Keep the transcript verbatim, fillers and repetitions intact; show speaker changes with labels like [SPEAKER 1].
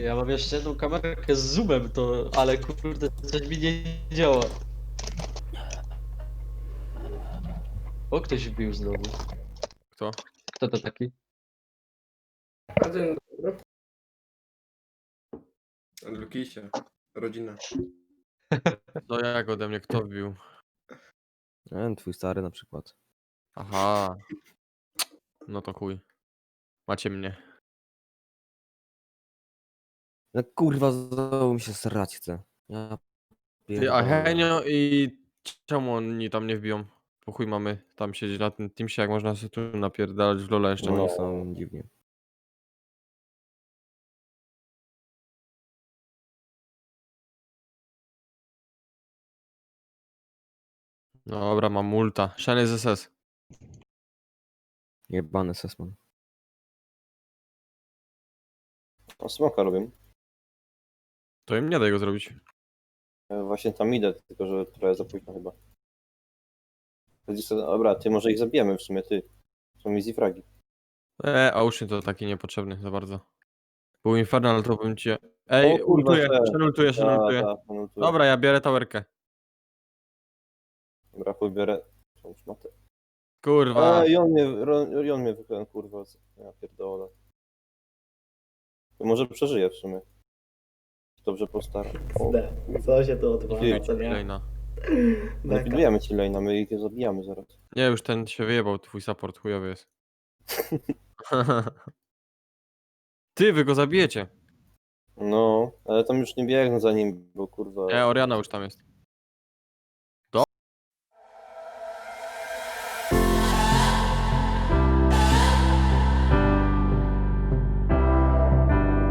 [SPEAKER 1] Ja mam jeszcze jedną kamerkę z zoomem, to, ale kurde, coś mi nie działa. O, ktoś wbił znowu.
[SPEAKER 2] Kto?
[SPEAKER 1] Kto to taki?
[SPEAKER 3] A dzień dobry.
[SPEAKER 4] Lukisie, rodzina.
[SPEAKER 2] To jak ode mnie kto wbił?
[SPEAKER 5] Ten twój stary na przykład.
[SPEAKER 2] Aha. No to chuj. Macie mnie.
[SPEAKER 5] No kurwa, znowu mi się srać chce. Ja
[SPEAKER 2] Ty, a
[SPEAKER 5] pierdolę.
[SPEAKER 2] Henio i czemu oni tam nie wbiją? Po chuj mamy tam siedzieć na tym Teamsie, jak można sobie tu napierdalać w Lola jeszcze.
[SPEAKER 5] No
[SPEAKER 2] No.
[SPEAKER 5] oni są dziwnie.
[SPEAKER 2] Dobra, mam multa. Shiny z S S.
[SPEAKER 5] Jebany Sesman.
[SPEAKER 6] O, smoka robię.
[SPEAKER 2] To im nie daj go zrobić.
[SPEAKER 6] Ja właśnie tam idę, tylko że trochę za późno chyba. Dobra, ty może ich zabijemy w sumie, ty. Są easy fragi.
[SPEAKER 2] Eee, Ocean to taki niepotrzebny za bardzo. Był Infernal, to bym cię... Ej,
[SPEAKER 6] O kurwa,
[SPEAKER 2] ultuję,
[SPEAKER 6] te.
[SPEAKER 2] szenultuję, szenultuję.
[SPEAKER 6] Ta, ta, no tu-
[SPEAKER 2] Dobra, ja biorę towerkę.
[SPEAKER 6] Dobra, chuj biorę. Tą szmatę.
[SPEAKER 2] Kurwa.
[SPEAKER 6] A, i on mnie, ro- i on mnie wypędził, kurwa. Ja pierdolę. To może przeżyje w sumie. Dobrze postaram. O,
[SPEAKER 3] D. Co się tu odwala,
[SPEAKER 6] Gdzie?
[SPEAKER 3] co nie?
[SPEAKER 2] Kolejna.
[SPEAKER 3] Beka.
[SPEAKER 6] Napidujemy ci lane'a, my ich zabijamy zaraz.
[SPEAKER 2] Nie, już ten się wyjebał, twój support chujowy jest. Ty, wy go zabijecie.
[SPEAKER 6] No, ale tam już nie biegnę za nim, bo kurwa...
[SPEAKER 2] Nie, Oriana już tam jest.